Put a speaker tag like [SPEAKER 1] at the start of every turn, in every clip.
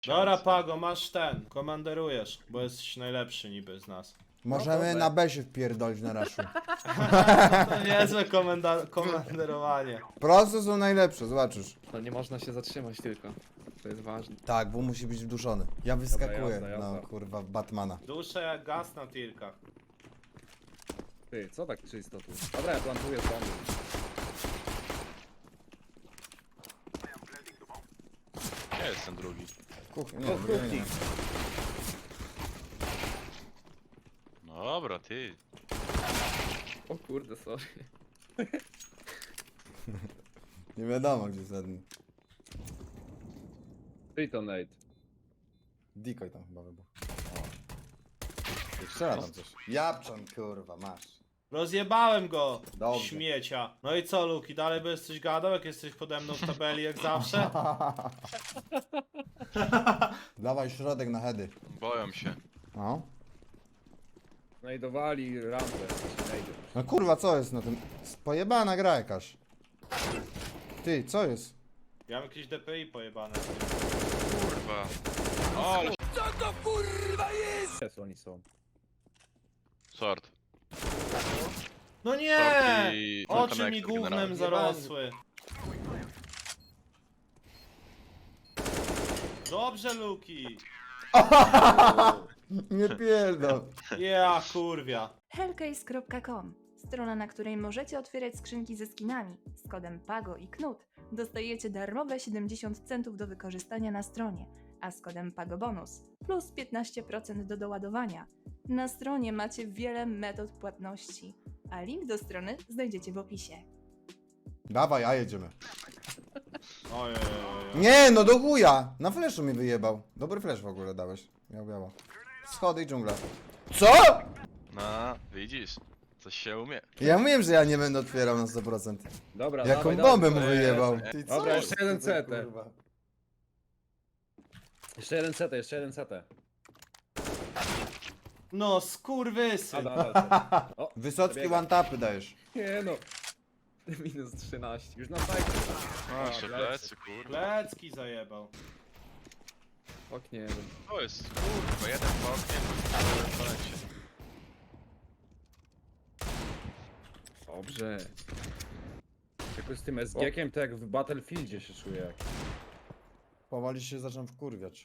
[SPEAKER 1] Dobra, Pago, masz ten. Komanderujesz, bo jesteś najlepszy niby z nas.
[SPEAKER 2] Możemy na B się wpierdolić na raszu.
[SPEAKER 1] To niezłe komanderowanie.
[SPEAKER 2] Proste są najlepsze, zobaczysz.
[SPEAKER 3] No nie można się zatrzymać tylko. To jest ważne.
[SPEAKER 2] Tak, bo musi być wduszony. Ja wyskakuję,
[SPEAKER 3] jazda, jazda.
[SPEAKER 2] no kurwa, w Batmana.
[SPEAKER 1] Duszę jak gaz na tilkach.
[SPEAKER 3] Ty, co tak czysto tu? Dobra, ja plantuję bomby.
[SPEAKER 4] Gdzie jest ten drugi?
[SPEAKER 2] Kuchnia,
[SPEAKER 3] O, kuchni.
[SPEAKER 2] nie.
[SPEAKER 4] No dobra, ty.
[SPEAKER 3] O kurde, sorry.
[SPEAKER 2] Nie wiadomo gdzie zadni.
[SPEAKER 3] Tritonate.
[SPEAKER 2] Decoy tam chyba wybuchł. O. Strzela tam coś. Japczan, kurwa, masz.
[SPEAKER 1] Rozjebałem go,
[SPEAKER 2] Dobrze.
[SPEAKER 1] śmiecia. No i co, Luki, dalej będziesz coś gadał, jak jesteś pode mną w tabeli jak zawsze?
[SPEAKER 2] Dawaj środek na heady.
[SPEAKER 4] Boją się.
[SPEAKER 2] No.
[SPEAKER 3] Znajdowali rampę. Znajdę.
[SPEAKER 2] No kurwa, co jest na tym? Pojebana gra jakaś. Ty, co jest?
[SPEAKER 1] Ja mam jakieś DPI pojebane.
[SPEAKER 4] Kurwa. O, ale
[SPEAKER 3] Jest oni są.
[SPEAKER 4] short.
[SPEAKER 1] No nie!
[SPEAKER 4] Short i
[SPEAKER 1] Oczy mi
[SPEAKER 4] connector
[SPEAKER 1] gównem
[SPEAKER 4] generalnie.
[SPEAKER 1] zarosły. Dobrze, Luki.
[SPEAKER 2] Nie pierdol.
[SPEAKER 1] Ja, kurwia.
[SPEAKER 5] Hellcase.com, strona, na której możecie otwierać skrzynki ze skinami. Z kodem PAGO i KNUT dostajecie darmowe 70 centów do wykorzystania na stronie, a z kodem PAGOBONUS plus 15% do doładowania. Na stronie macie wiele metod płatności, a link do strony znajdziecie w opisie.
[SPEAKER 2] Dawaj, a jedziemy.
[SPEAKER 1] Ojej.
[SPEAKER 2] Nie, no do chuja! Na fleszu mi wyjebał. Dobry flesz w ogóle dałeś. Miał biało. Schody i dżungla. Co?!
[SPEAKER 4] No, widzisz. Coś się umie.
[SPEAKER 2] Ja mówiłem, że ja nie będę otwierał na 100%.
[SPEAKER 3] Dobra,
[SPEAKER 2] Jaką
[SPEAKER 3] dawaj,
[SPEAKER 2] bombę
[SPEAKER 3] dawaj.
[SPEAKER 2] mu wyjebał.
[SPEAKER 4] Jest.
[SPEAKER 2] Ty,
[SPEAKER 3] Dobra,
[SPEAKER 2] jest
[SPEAKER 3] jeszcze jeden
[SPEAKER 2] tutaj,
[SPEAKER 3] CT.
[SPEAKER 2] kurwa?
[SPEAKER 3] Jeszcze jeden CT, jeszcze jeden CT.
[SPEAKER 1] No, skurwysyn.
[SPEAKER 3] O,
[SPEAKER 2] Wysocki
[SPEAKER 3] przebiega.
[SPEAKER 2] one-tapy dajesz.
[SPEAKER 3] Nie no. Minus 13. Już na fajnie.
[SPEAKER 4] No, jeszcze plecy, kurwa.
[SPEAKER 1] Plecki zajebał.
[SPEAKER 3] Oknie.
[SPEAKER 4] To jest, kurwa, jeden po oknie, jeden po lecie.
[SPEAKER 3] Dobrze. Tylko z tym SG-kiem to jak w Battlefieldzie się czuję. Jak...
[SPEAKER 2] Powoli się zacząłem wkurwiać.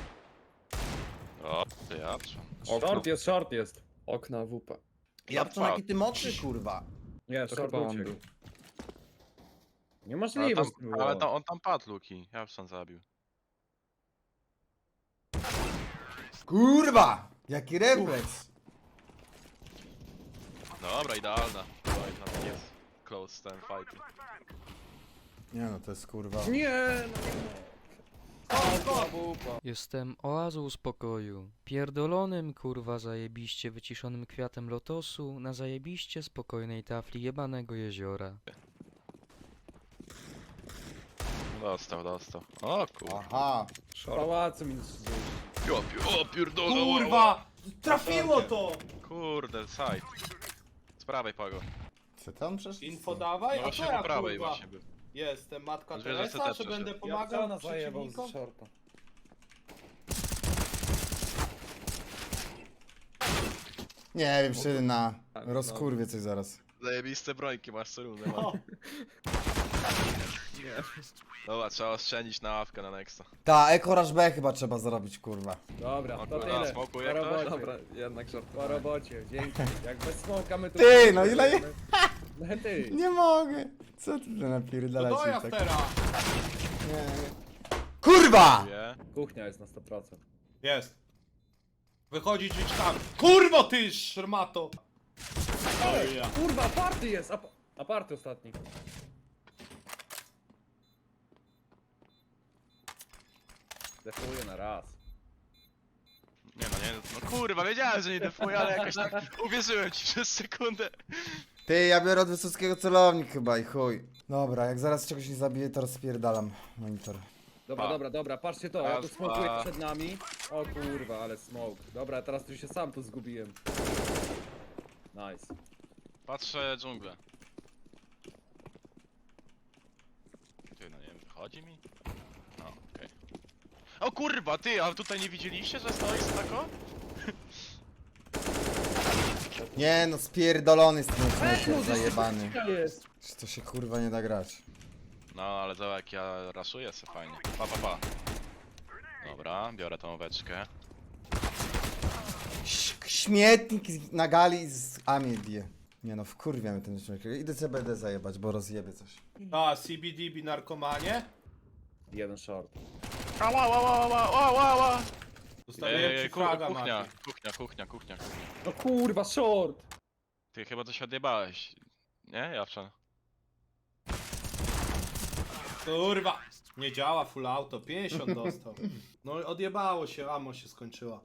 [SPEAKER 4] O, ty jatrze.
[SPEAKER 3] Short jest.
[SPEAKER 6] Okna WP.
[SPEAKER 2] Japczan, jaki ty mocny, kurwa.
[SPEAKER 3] Nie,
[SPEAKER 6] To
[SPEAKER 3] short
[SPEAKER 6] chyba on
[SPEAKER 3] uciekł.
[SPEAKER 6] był.
[SPEAKER 3] Niemożliwe.
[SPEAKER 4] Ale tam, on tam padł, Luki. Ja sam zabił.
[SPEAKER 2] Kurwa! Jaki refleks.
[SPEAKER 4] Dobra, idealna. Oj, tam jest close ten fight.
[SPEAKER 2] Nie no, to jest kurwa.
[SPEAKER 3] Nie,
[SPEAKER 6] Jestem oazą spokoju, pierdolonym kurwa zajebiście wyciszonym kwiatem lotosu na zajebiście spokojnej tafli jebanego jeziora.
[SPEAKER 4] Dostał, dostał. O kurwa.
[SPEAKER 2] Aha.
[SPEAKER 3] pałacu minus 30.
[SPEAKER 4] O pierdolę.
[SPEAKER 1] Kurwa! Trafiło to!
[SPEAKER 4] Kurde, side. Z prawej pago.
[SPEAKER 2] Co tam przecież?
[SPEAKER 1] Info dawaj,
[SPEAKER 4] No
[SPEAKER 1] a
[SPEAKER 4] właśnie
[SPEAKER 1] co
[SPEAKER 4] po
[SPEAKER 1] ja,
[SPEAKER 4] prawej
[SPEAKER 1] kurwa?
[SPEAKER 4] właśnie był.
[SPEAKER 1] Jestem matka
[SPEAKER 4] Zwierzę
[SPEAKER 1] Teresa,
[SPEAKER 4] CT
[SPEAKER 1] czy
[SPEAKER 4] przeszedł.
[SPEAKER 1] będę pomagał
[SPEAKER 3] zajebał z
[SPEAKER 1] przeciwnikom?
[SPEAKER 3] shorta.
[SPEAKER 2] Nie wiem, czy na rozkurwie coś zaraz.
[SPEAKER 4] Zajebiste brońki masz co rundę.
[SPEAKER 1] O,
[SPEAKER 3] Nie.
[SPEAKER 4] Dobra, trzeba oszczędzić na awkę na nexta.
[SPEAKER 2] Ta, Ekoraż B chyba trzeba zrobić, kurwa.
[SPEAKER 3] Dobra,
[SPEAKER 4] O
[SPEAKER 3] to
[SPEAKER 4] kurwa,
[SPEAKER 3] tyle.
[SPEAKER 4] smokuje
[SPEAKER 3] Po
[SPEAKER 4] ktoś?
[SPEAKER 3] robocie.
[SPEAKER 6] Dobra, jednak żart.
[SPEAKER 3] Po robocie, dzięki. Jak bez smoka my tu...
[SPEAKER 2] Ty, no ile je-
[SPEAKER 3] No ty.
[SPEAKER 2] Nie mogę. Co ty tu
[SPEAKER 1] to
[SPEAKER 2] napierdalasz?
[SPEAKER 1] dojazd
[SPEAKER 2] tak?
[SPEAKER 1] teraz!
[SPEAKER 2] Nie. Kurwa!
[SPEAKER 4] Wie?
[SPEAKER 3] Kuchnia jest na 100%.
[SPEAKER 1] Jest. Wychodzi drzwiczkami. Kurwo ty, szrmato! Oj, ja.
[SPEAKER 3] Kurwa, aparty jest! Aparty ostatni. Defuję na raz.
[SPEAKER 4] Nie no, nie, no kurwa, wiedziałem, że nie defuję, ale jakoś tak uwierzyłem ci przez sekundę.
[SPEAKER 2] Ty, ja biorę od Wysockiego celownik chyba i chuj. Dobra, jak zaraz czegoś nie zabiję, to rozpierdalam monitor.
[SPEAKER 3] Dobra, patrzcie to, ja tu
[SPEAKER 4] Raz,
[SPEAKER 3] smokuję
[SPEAKER 4] dwa.
[SPEAKER 3] przed nami. O kurwa, ale smoke. Dobra, teraz tu się sam tu zgubiłem. Nice.
[SPEAKER 4] Patrzę dżunglę. Ty, no nie wiem, wychodzi mi? No, okej. O kurwa, ty, a tutaj nie widzieliście, że stoi tako?
[SPEAKER 2] Nie no, spierdolony z tym snajper zajebany.
[SPEAKER 3] Jest.
[SPEAKER 2] To się kurwa nie da grać.
[SPEAKER 4] No, ale zobacz jak ja raszuję se fajnie. Pa, pa, pa. Dobra, biorę tą oweczkę.
[SPEAKER 2] Śmietnik na gali z Ami bije. Nie no, wkurwiamy ten śmietnik. Idę CBD zajebać, bo rozjebie coś.
[SPEAKER 1] A, CBDB narkomanie?
[SPEAKER 3] Jeden short.
[SPEAKER 4] Ała, ała, ała, ała, ała.
[SPEAKER 1] Zostawiłem ci fraga,
[SPEAKER 4] kuchnia,
[SPEAKER 1] Mati.
[SPEAKER 4] kuchnia.
[SPEAKER 3] No kurwa, short!
[SPEAKER 4] Ty chyba coś odjebałeś. Nie, Jawczan?
[SPEAKER 1] Kurwa! Nie działa full auto, 50 dostał. No odjebało się, ammo się skończyła.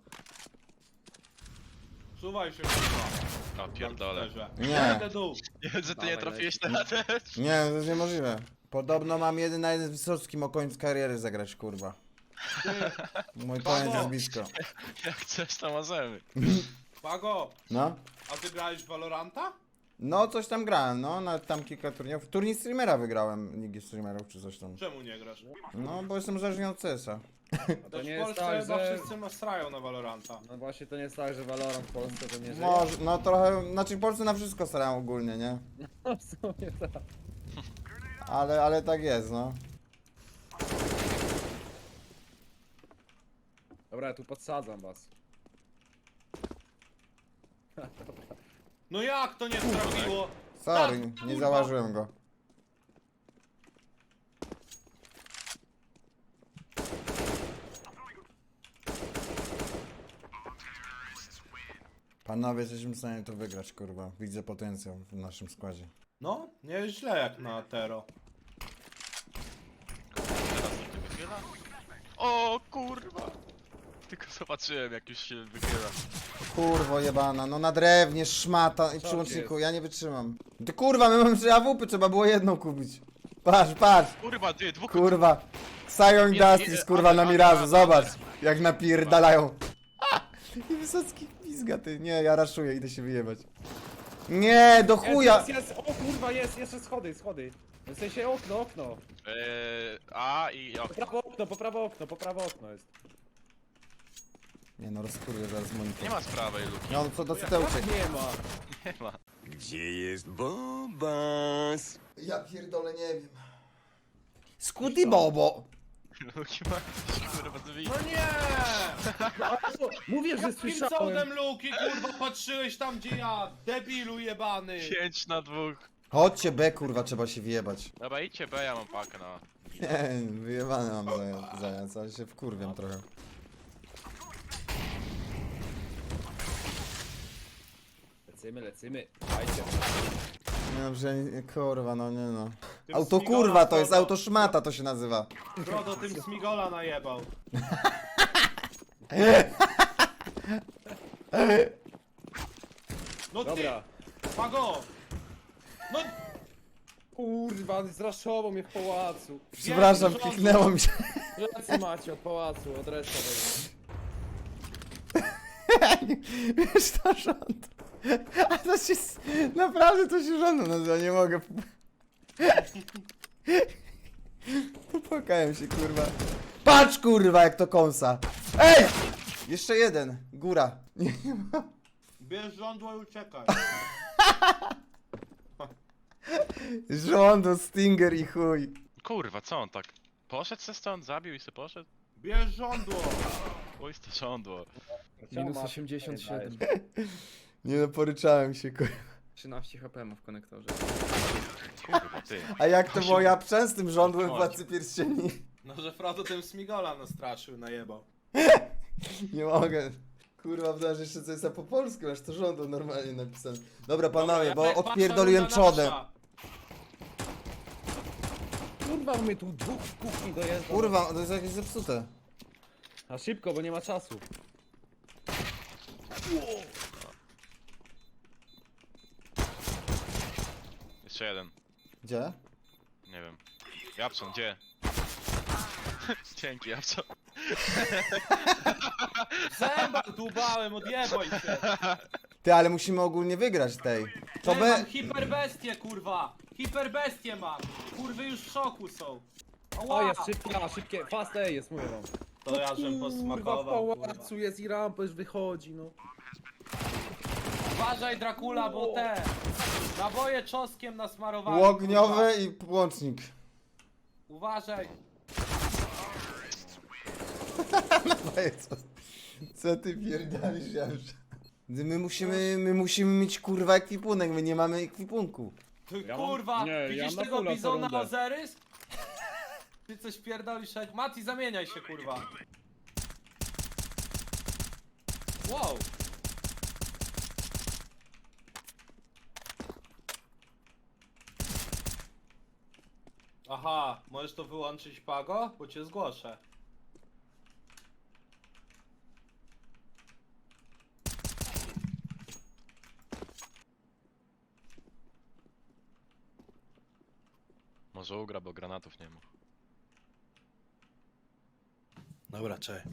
[SPEAKER 1] Suwaj się, kurwa.
[SPEAKER 4] O pierdolę.
[SPEAKER 2] Nie.
[SPEAKER 1] Idę dół.
[SPEAKER 4] Nie, że ty nie
[SPEAKER 3] Dawaj,
[SPEAKER 4] trafiłeś
[SPEAKER 3] leci.
[SPEAKER 4] na też.
[SPEAKER 2] Nie, to jest niemożliwe. Podobno mam 1 na 1 z Wysockim o koniec kariery zagrać, kurwa. Mój koniec jest blisko.
[SPEAKER 4] Jak chcesz, to możemy.
[SPEAKER 1] Pago,
[SPEAKER 2] No?
[SPEAKER 1] a ty grałeś w Valoranta?
[SPEAKER 2] No, coś tam grałem, no, nawet tam kilka turniejów. Turniej streamera wygrałem, Ligi Streamerów czy coś tam.
[SPEAKER 1] Czemu nie grasz?
[SPEAKER 2] No, bo jestem uzależniony od CS-a.
[SPEAKER 3] A to
[SPEAKER 1] Też
[SPEAKER 3] nie
[SPEAKER 1] w
[SPEAKER 3] jest
[SPEAKER 1] Polsce
[SPEAKER 3] tak,
[SPEAKER 1] chyba
[SPEAKER 3] że...
[SPEAKER 1] wszyscy strają na Valoranta.
[SPEAKER 3] No właśnie to nie jest tak, że Valorant w Polsce to nie żyje.
[SPEAKER 2] Może, no trochę, znaczy w Polsce na wszystko starają ogólnie, nie?
[SPEAKER 3] No w sumie tak.
[SPEAKER 2] Ale tak jest, no.
[SPEAKER 3] Dobra, ja tu podsadzam was.
[SPEAKER 1] No jak to nie trafiło?
[SPEAKER 2] Sorry,
[SPEAKER 1] Tak,
[SPEAKER 2] nie
[SPEAKER 1] kurwa.
[SPEAKER 2] zauważyłem go. Panowie, jesteśmy w stanie to wygrać, kurwa. Widzę potencjał w naszym składzie.
[SPEAKER 1] No, nie jest źle jak na Tero.
[SPEAKER 4] Teraz nikt nie wychyla? O kurwa! Tylko zobaczyłem jak już się wychyla.
[SPEAKER 2] Kurwo jebana, no na drewnie, szmata i
[SPEAKER 3] Co
[SPEAKER 2] przyłączniku,
[SPEAKER 3] jest?
[SPEAKER 2] ja nie wytrzymam. Ty kurwa, my mamy 3 AWP, trzeba było jedną kupić. Patrz, patrz,
[SPEAKER 4] Kurwa, ty, dwóch...
[SPEAKER 2] kurwa. Sion Justice, kurwa, na Mirażu, zobacz. Jak napierdalają. I Wysocki pizga, ty. Nie, ja raszuję, idę się wyjebać. Nie, do chuja.
[SPEAKER 3] Jest, o kurwa, jest, jeszcze schody. W sensie okno.
[SPEAKER 4] A i
[SPEAKER 3] Po prawo okno jest.
[SPEAKER 2] Nie no, rozkurwię zaraz monitor.
[SPEAKER 4] nie ma z prawej luki.
[SPEAKER 2] No, co do cytełczek.
[SPEAKER 3] Nie ma.
[SPEAKER 4] Nie ma.
[SPEAKER 7] Gdzie jest Bobas?
[SPEAKER 2] Ja pierdolę, nie wiem. Skuti Bobo.
[SPEAKER 4] Luki ma kurwa drzwi.
[SPEAKER 1] No nie!
[SPEAKER 3] Mówię, że
[SPEAKER 1] Jakim
[SPEAKER 3] słyszałem.
[SPEAKER 1] cudem Luki, kurwa, patrzyłeś tam gdzie ja? Debilu jebany!
[SPEAKER 4] 5 na 2.
[SPEAKER 2] Chodźcie B, kurwa, trzeba się wyjebać.
[SPEAKER 4] Dobra, idźcie B, ja mam pakę na...
[SPEAKER 2] Nie, wyjebane mam zając, ale się wkurwiam trochę.
[SPEAKER 3] Lecimy. Dajcie.
[SPEAKER 2] Nie no, że kurwa, no nie no.
[SPEAKER 1] Tym
[SPEAKER 2] Auto
[SPEAKER 1] Smigola,
[SPEAKER 2] kurwa, to jest
[SPEAKER 1] Frodo.
[SPEAKER 2] auto szmata, to się nazywa.
[SPEAKER 1] Frodo tym Smigola najebał. No ty,
[SPEAKER 3] Dobra.
[SPEAKER 1] Pago! No,
[SPEAKER 3] Kurwa, zraszował mnie w pałacu.
[SPEAKER 2] Przepraszam,
[SPEAKER 1] rząd.
[SPEAKER 2] kliknęło mi się.
[SPEAKER 3] Plecy macie od pałacu, od reszty.
[SPEAKER 2] Wiesz, to rząd. A to się, naprawdę to się rządu nazywa, nie mogę. Popłakałem się, kurwa. Patrz, kurwa, jak to kąsa. Ej! Jeszcze jeden, góra. Nie,
[SPEAKER 1] bierz żądło i uciekaj.
[SPEAKER 2] rządu, Stinger i chuj.
[SPEAKER 4] Kurwa, co on tak? Poszedł se stąd, zabił i se poszedł?
[SPEAKER 1] Bierz żądło.
[SPEAKER 4] Oj, to żądło.
[SPEAKER 8] Minus 87.
[SPEAKER 2] Nie no, poryczałem się, kurwa.
[SPEAKER 8] 13 HP ma w konektorze.
[SPEAKER 4] Kurwa, ty.
[SPEAKER 2] A jak to było ja z tym rządłem Władcy Pierścieni?
[SPEAKER 1] No, że Frodo tym Smigola nastraszył, najebał.
[SPEAKER 2] Nie mogę. Kurwa, wydaje że jeszcze coś jest po polsku, aż to rządu normalnie napisane. Dobra, panowie, bo odpierdoliłem czodę.
[SPEAKER 3] Kurwa, my tu dwóch w kuchni dojeżdża.
[SPEAKER 2] Kurwa, to jest jakieś zepsute.
[SPEAKER 3] A szybko, bo nie ma czasu.
[SPEAKER 4] Jeszcze jeden.
[SPEAKER 2] Gdzie?
[SPEAKER 4] Nie wiem. Japson, gdzie? Dzięki, Japson.
[SPEAKER 1] Zęba dłubałem, odjebaj się.
[SPEAKER 2] Ty, ale musimy ogólnie wygrać tej. To
[SPEAKER 1] Ej,
[SPEAKER 2] B...
[SPEAKER 1] mam hiperbestię, kurwa. Hiperbestię mam. Kurwy już w szoku są.
[SPEAKER 3] O,
[SPEAKER 1] Ała.
[SPEAKER 3] jest szybkie, fast A jest, mówię wam.
[SPEAKER 1] To ja żem
[SPEAKER 3] Kurwa, w
[SPEAKER 1] posmakował, kurwa.
[SPEAKER 3] pałacu jest i rampa już wychodzi, no.
[SPEAKER 1] Uważaj Dracula, bo te naboje czosnkiem nasmarowali.
[SPEAKER 2] Ogniowy i łącznik.
[SPEAKER 1] Uważaj.
[SPEAKER 2] Co ty pierdolisz, Janusz? My musimy mieć kurwa ekwipunek, my nie mamy ekwipunku.
[SPEAKER 1] Ty,
[SPEAKER 3] Ja mam-
[SPEAKER 1] kurwa,
[SPEAKER 3] nie, ja
[SPEAKER 1] widzisz
[SPEAKER 3] mam
[SPEAKER 1] tego
[SPEAKER 3] fulla co
[SPEAKER 1] bizona
[SPEAKER 3] rundę.
[SPEAKER 1] Ozyrys? Ty coś pierdolisz jak... Mati, zamieniaj się, kurwa. Wow. Aha, możesz to wyłączyć, Pago? Bo cię zgłoszę.
[SPEAKER 4] Może ugra, bo granatów nie ma.
[SPEAKER 1] Dobra, czekaj.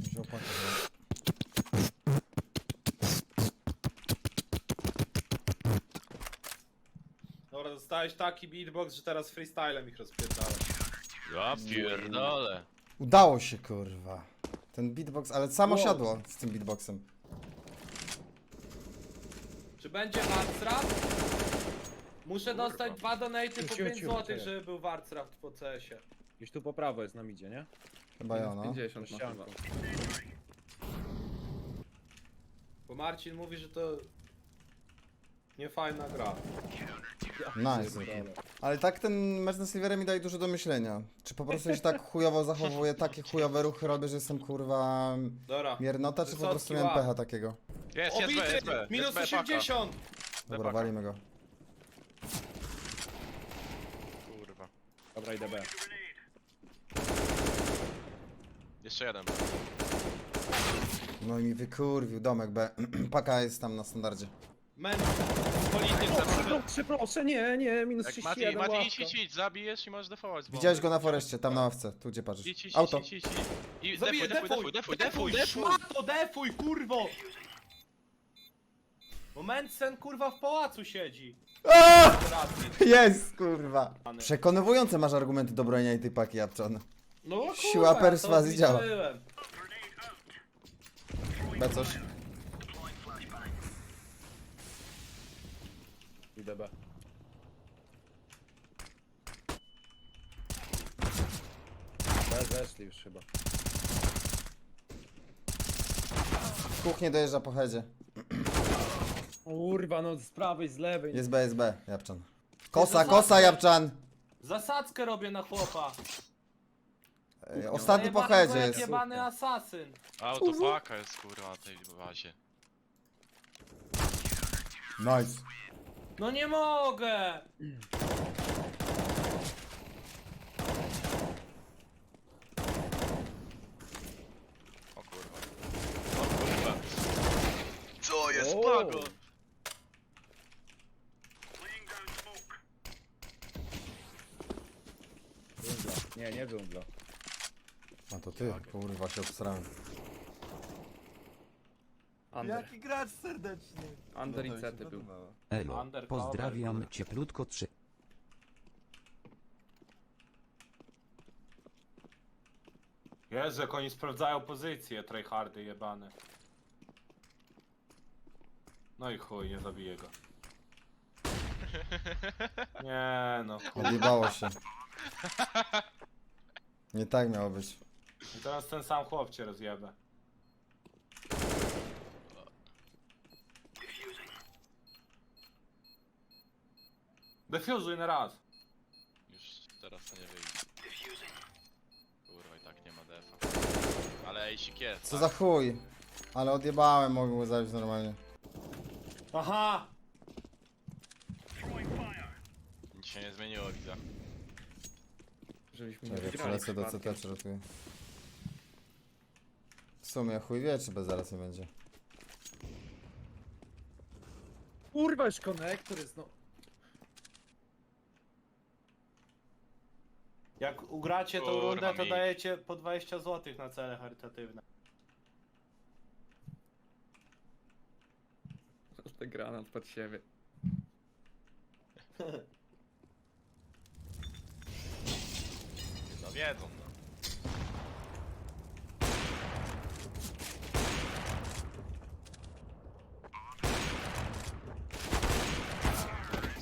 [SPEAKER 1] Dobra, dostałeś taki beatbox, że teraz freestylem ich rozpierdalę.
[SPEAKER 4] Ja pierdolę.
[SPEAKER 2] Udało się, kurwa. Ten beatbox, ale samo
[SPEAKER 3] Wow.
[SPEAKER 2] siadło z tym beatboxem.
[SPEAKER 1] Czy będzie Warcraft? Muszę dostać 2 donaty po
[SPEAKER 3] Cicho,
[SPEAKER 1] 5
[SPEAKER 3] cicho,
[SPEAKER 1] zł,
[SPEAKER 3] cicho.
[SPEAKER 1] żeby był Warcraft po CS-ie.
[SPEAKER 3] Gdzieś tu po prawo jest nam idzie, nie?
[SPEAKER 2] Chyba ja, no.
[SPEAKER 8] 50 ma chyba.
[SPEAKER 1] Bo Marcin mówi, że to nie fajna gra.
[SPEAKER 2] Nice. Ale tak ten mecz z Silverem mi daje dużo do myślenia. Czy po prostu się tak chujowo zachowuję, takie chujowe ruchy robię, że jestem kurwa
[SPEAKER 1] Dobra.
[SPEAKER 2] miernota, czy po
[SPEAKER 1] Wysocki
[SPEAKER 2] prostu miałem
[SPEAKER 1] łap.
[SPEAKER 2] pecha takiego?
[SPEAKER 4] Jest B, jest B.
[SPEAKER 1] Minus
[SPEAKER 4] jest B,
[SPEAKER 1] 80!
[SPEAKER 2] Dobra,
[SPEAKER 4] paka.
[SPEAKER 2] walimy go.
[SPEAKER 4] Kurwa.
[SPEAKER 3] Dobra, idę B.
[SPEAKER 4] Jeszcze jeden.
[SPEAKER 2] No i mi wykurwił domek B. Paka jest tam na standardzie.
[SPEAKER 1] Men, polityk
[SPEAKER 3] Proszę, nie, minus
[SPEAKER 4] Jak
[SPEAKER 3] 31
[SPEAKER 4] Mati,
[SPEAKER 3] ławka.
[SPEAKER 4] idź, zabijesz i możesz defować z bomby.
[SPEAKER 2] Widziałeś go na foreście, tam na ławce, tu gdzie patrzysz.
[SPEAKER 4] Idź.
[SPEAKER 2] Auto.
[SPEAKER 4] I
[SPEAKER 1] Zabiję,
[SPEAKER 4] defuj.
[SPEAKER 1] szmato, defuj, kurwo! Bo Mensen, kurwa, w pałacu siedzi.
[SPEAKER 2] Jest, kurwa. Przekonywujące masz argumenty do bronienia tej paki, Japczan.
[SPEAKER 1] No kurwa,
[SPEAKER 2] Siła perswazji
[SPEAKER 1] to
[SPEAKER 2] działa.
[SPEAKER 1] widziałem.
[SPEAKER 2] B coś.
[SPEAKER 3] Idę B. B zeszli już chyba.
[SPEAKER 2] W kuchnię dojeżdża po headzie.
[SPEAKER 3] Kurwa, no z prawej, z lewej.
[SPEAKER 2] Jest B, Japczan. Kosa, Japczan.
[SPEAKER 1] Zasadzkę robię na chłopa.
[SPEAKER 2] Ostatni po
[SPEAKER 1] Zajebanego
[SPEAKER 2] headzie
[SPEAKER 1] jak
[SPEAKER 2] jest.
[SPEAKER 1] jebany asasyn.
[SPEAKER 4] Autopaka jest kurwa na tej bazie.
[SPEAKER 2] Nice.
[SPEAKER 1] No nie mogę!
[SPEAKER 4] O kurwa. O kurwa. Co jest
[SPEAKER 3] O.
[SPEAKER 4] Pago?
[SPEAKER 3] Dżungla. Nie dżungla.
[SPEAKER 2] A to ty, kurwa się obsrałem.
[SPEAKER 8] Under.
[SPEAKER 7] gracz serdeczny.
[SPEAKER 8] Under i Cety był.
[SPEAKER 9] Elo,
[SPEAKER 1] Undercover,
[SPEAKER 9] pozdrawiam
[SPEAKER 1] kurwa.
[SPEAKER 9] cieplutko 3.
[SPEAKER 1] Jezu, jak oni sprawdzają pozycję, tryhardy jebane. No i chuj, nie zabiję go. Nie no.
[SPEAKER 2] Odjebało się. Nie tak miało być.
[SPEAKER 1] I teraz ten sam chłop cię rozjebę. Defuzuj na raz.
[SPEAKER 4] Już teraz to nie wyjdzie. Kurwa i tak nie ma defa. Ale ejsik jest.
[SPEAKER 2] Co
[SPEAKER 4] tak?
[SPEAKER 2] za chuj. Ale odjebałem, mogłem go zabić normalnie.
[SPEAKER 1] Aha!
[SPEAKER 4] Nic się nie zmieniło, widzę.
[SPEAKER 8] Żebyśmy nie
[SPEAKER 2] Czekaj,
[SPEAKER 8] wygrali
[SPEAKER 2] przelecę do CT,
[SPEAKER 8] przypadkiem.
[SPEAKER 2] przeratuję. W sumie chuj wie, czy bez zaraz nie będzie.
[SPEAKER 3] Kurwa, już konektor jest, no.
[SPEAKER 1] Jak ugracie tą
[SPEAKER 4] Kurwa,
[SPEAKER 1] rundę, to
[SPEAKER 4] mi.
[SPEAKER 1] dajecie po 20 zł na cele charytatywne.
[SPEAKER 8] Te granat pod siebie.
[SPEAKER 4] No wiedzą, no.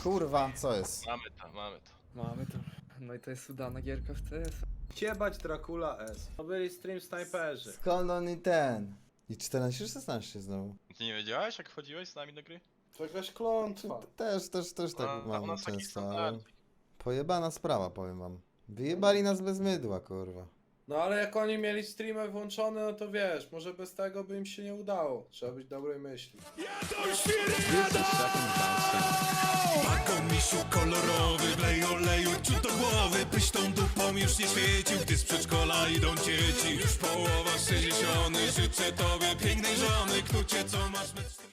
[SPEAKER 2] Kurwa, co jest?
[SPEAKER 4] Mamy to, mamy to.
[SPEAKER 8] Mamy to. No i to jest udana gierka w CS.
[SPEAKER 1] Ciebać Dracula S. To byli stream snajperzy.
[SPEAKER 2] Skąd on i ten? I 14-16 znowu.
[SPEAKER 4] Ty nie wiedziałeś, jak wchodziłeś z nami do gry?
[SPEAKER 1] To jakaś klątwa.
[SPEAKER 2] Też tak
[SPEAKER 4] A u
[SPEAKER 2] mam
[SPEAKER 4] nas taki
[SPEAKER 2] często, ale...
[SPEAKER 4] standard.
[SPEAKER 2] Pojebana sprawa, powiem wam. Wyjebali nas bez mydła, kurwa.
[SPEAKER 1] No ale jak oni mieli streamy włączone, no to wiesz, może bez tego by im się nie udało. Trzeba być dobrej myśli.
[SPEAKER 7] Pako misiu kolorowy, wlej oleju ciut do głowy, byś tą dupą już nie świecił, gdy z przedszkola idą dzieci. Już połowa 60, życzę tobie pięknej żony, knucie co masz metr...